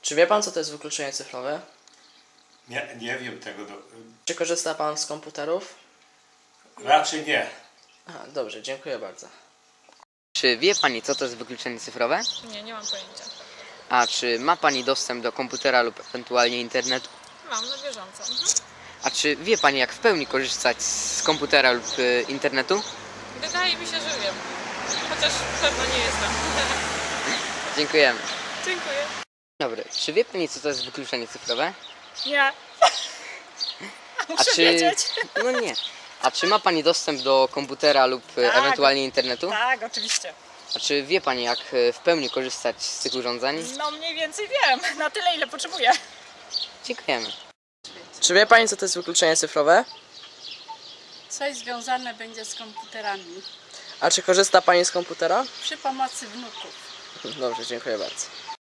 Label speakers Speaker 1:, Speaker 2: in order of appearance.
Speaker 1: Czy wie pan, co to jest wykluczenie cyfrowe?
Speaker 2: Nie wiem tego.
Speaker 1: Czy korzysta pan z komputerów?
Speaker 2: Raczej nie.
Speaker 1: Aha, dobrze, dziękuję bardzo.
Speaker 3: Czy wie Pani, co to jest wykluczenie cyfrowe?
Speaker 4: Nie mam pojęcia.
Speaker 3: A czy ma Pani dostęp do komputera lub ewentualnie internetu?
Speaker 4: Mam na bieżąco.
Speaker 3: A czy wie Pani, jak w pełni korzystać z komputera lub internetu?
Speaker 4: Wydaje mi się, że wiem. Chociaż pewno nie jestem.
Speaker 3: Dziękujemy.
Speaker 4: Dziękuję.
Speaker 3: Dobry. Czy wie Pani, co to jest wykluczenie cyfrowe?
Speaker 4: Nie.
Speaker 3: A czy... No nie. A czy ma Pani dostęp do komputera lub ewentualnie internetu?
Speaker 4: Tak, oczywiście.
Speaker 3: A czy wie Pani, jak w pełni korzystać z tych urządzeń?
Speaker 4: No mniej więcej wiem. Na tyle, ile potrzebuję.
Speaker 3: Dziękujemy.
Speaker 1: Czy wie pani, co to jest wykluczenie cyfrowe?
Speaker 5: Coś związane będzie z komputerami
Speaker 1: A czy korzysta pani z komputera?
Speaker 5: przy pomocy wnuków.
Speaker 1: Dobrze, dziękuję bardzo.